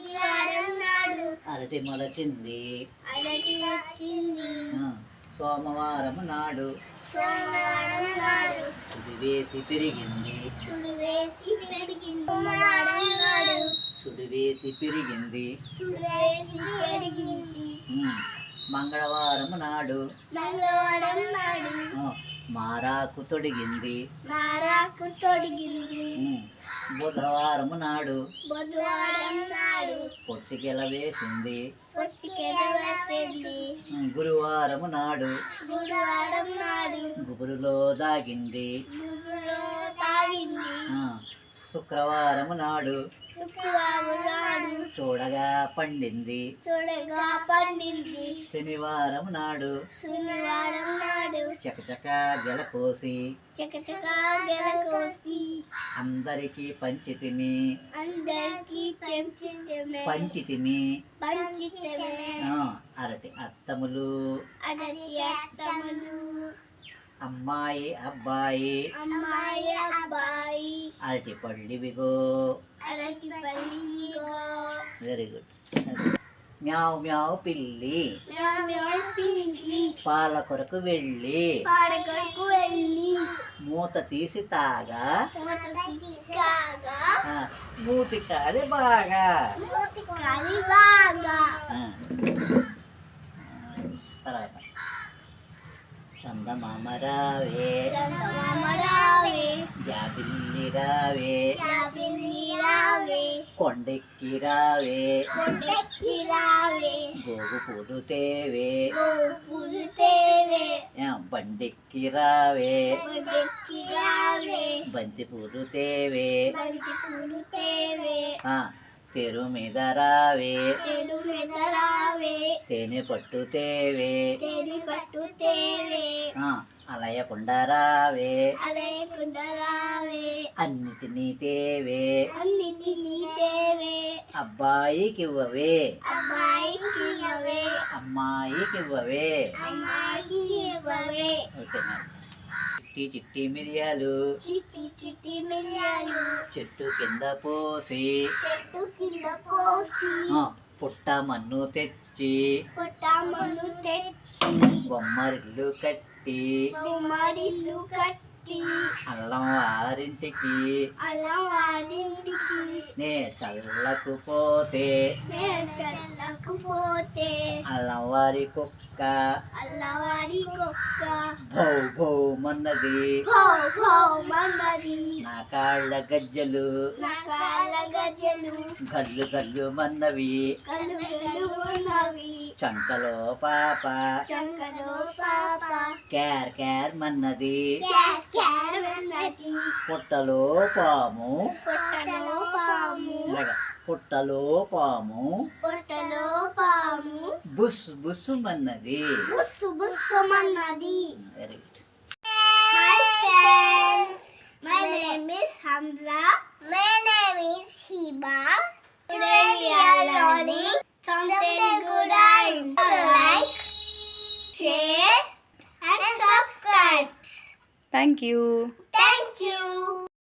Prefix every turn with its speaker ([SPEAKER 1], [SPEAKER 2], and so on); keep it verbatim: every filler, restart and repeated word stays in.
[SPEAKER 1] అరటి మొలచింది
[SPEAKER 2] అరటి వచ్చింది
[SPEAKER 1] సోమవారం నాడు
[SPEAKER 2] సోమవారం నాడు
[SPEAKER 1] సుడి వేసి పెరిగింది
[SPEAKER 2] సుడి వేసి పెరిగింది సోమవారం నాడు
[SPEAKER 1] సుడి వేసి పెరిగింది
[SPEAKER 2] సుడి వేసి పెరిగింది
[SPEAKER 1] మంగళవారం నాడు
[SPEAKER 2] మంగళవారం నాడు
[SPEAKER 1] మారాకు తొడిగింది
[SPEAKER 2] మారాకు తొడిగింది
[SPEAKER 1] బుధవారం నాడు
[SPEAKER 2] బుధవారం నాడు
[SPEAKER 1] పొట్టికెల వేసింది
[SPEAKER 2] పొట్టికెల వేసింది
[SPEAKER 1] గురువారం నాడు
[SPEAKER 2] గురువారం నాడు
[SPEAKER 1] గుబురులో దాగింది
[SPEAKER 2] గుబురులో తాగింది
[SPEAKER 1] శుక్రవారం నాడు
[SPEAKER 2] శుక్రవారం నాడు
[SPEAKER 1] చూడగా పండింది
[SPEAKER 2] చూడగా పండింది
[SPEAKER 1] శనివారం నాడు
[SPEAKER 2] శనివారం నాడు
[SPEAKER 1] చకచక గెలకోసి
[SPEAKER 2] చకచక గెలకోసి
[SPEAKER 1] అందరికి పంచితిమి
[SPEAKER 2] అందరికి పంచితిమి
[SPEAKER 1] పంచితిమి
[SPEAKER 2] పంచితిమి
[SPEAKER 1] అరటి అత్తములు
[SPEAKER 2] అరటి అత్తములు
[SPEAKER 1] అమ్మాయి అబ్బాయి
[SPEAKER 2] అమ్మాయి అబ్బాయి
[SPEAKER 1] అరటి పళ్ళివిగో
[SPEAKER 2] అరటి పళ్ళివిగో
[SPEAKER 1] వెరీ గుడ్ మ్యావ్ మ్యావ్ పిల్లి
[SPEAKER 2] మ్యావ్ మ్యావ్ పిల్లి
[SPEAKER 1] పాల కొరకు వెళ్ళి
[SPEAKER 2] పాల కొరకు వెళ్ళి
[SPEAKER 1] మూత తీసి తాగా
[SPEAKER 2] మూత తీసి తాగా
[SPEAKER 1] మూతి కాలి బాగా
[SPEAKER 2] మూతి కాలి బాగా
[SPEAKER 1] తర్వాత చందమామ రావే
[SPEAKER 2] చందమామ రావే
[SPEAKER 1] జాబిల్లి రావే
[SPEAKER 2] జాబిల్లి రావే
[SPEAKER 1] కొండెక్కి రావే
[SPEAKER 2] కొండెక్కి రావే
[SPEAKER 1] గోగు పూలు తేవే
[SPEAKER 2] గోగు పూలు తేవే
[SPEAKER 1] బండెక్కి రావే
[SPEAKER 2] బండెక్కి రావే
[SPEAKER 1] బంతి పూలు తేవే
[SPEAKER 2] బంతి పూలు తేవే
[SPEAKER 1] తెరు మీద రావే
[SPEAKER 2] తెరు మీద రావే
[SPEAKER 1] తేనె పట్టు తేవే
[SPEAKER 2] తేనె పట్టు తేవే
[SPEAKER 1] అలయకుండా రావే
[SPEAKER 2] అలయకుండా రావే
[SPEAKER 1] అన్నిటినీ తేవే
[SPEAKER 2] అన్నిటినీ తేవే
[SPEAKER 1] అబ్బాయికి ఇవ్వవే
[SPEAKER 2] అబ్బాయికి ఇవ్వవే
[SPEAKER 1] అమ్మాయికి ఇవ్వవే
[SPEAKER 2] అమ్మాయికి ఇవ్వవే
[SPEAKER 1] ఓకే చిట్టి చిట్టి మిరియాలు
[SPEAKER 2] చిట్టి చిట్టి మిరియాలు
[SPEAKER 1] చెట్టు కింద పోసి
[SPEAKER 2] చెట్టు కింద పోసి
[SPEAKER 1] పుట్ట మన్ను తెచ్చి
[SPEAKER 2] పుట్ట మన్ను తెచ్చి
[SPEAKER 1] బొమ్మరిల్లు కట్టి
[SPEAKER 2] బొమ్మరిల్లు కట్టి
[SPEAKER 1] అల్లం వారింటికి
[SPEAKER 2] అల్లం వారింటికి
[SPEAKER 1] నే చల్లకు పోతే
[SPEAKER 2] నే చల్లకు పోతే
[SPEAKER 1] అల్లం వారి కుక్క
[SPEAKER 2] అల్లం వారి కుక్క
[SPEAKER 1] భౌ భౌ మన్నది
[SPEAKER 2] భౌ భౌ మన్నది
[SPEAKER 1] నా కాళ్ళ గజ్జలు
[SPEAKER 2] నా కాళ్ళ గజ్జలు
[SPEAKER 1] గల్లు గల్లు మన్నవి
[SPEAKER 2] గల్లు గల్లు మన్నవి
[SPEAKER 1] చంకలో పాప
[SPEAKER 2] చంకలో పాప
[SPEAKER 1] క్యార్ క్యార్ మన్నది
[SPEAKER 2] క్యార్ క్యార్ మన్నది
[SPEAKER 1] పుట్టలో పాము
[SPEAKER 2] పుట్టలో పాము
[SPEAKER 1] పుట్టలో పాము
[SPEAKER 2] పుట్టలో పాము
[SPEAKER 1] బుస్ బుస్ మన్నది
[SPEAKER 2] బుస్సు బుస్సు మన్నది.
[SPEAKER 1] Very good.
[SPEAKER 2] Hi friends, my name is Hamza. My name is Shiba. Today we are learning some Telugu rhymes. Like, share and subscribe.
[SPEAKER 3] Thank you.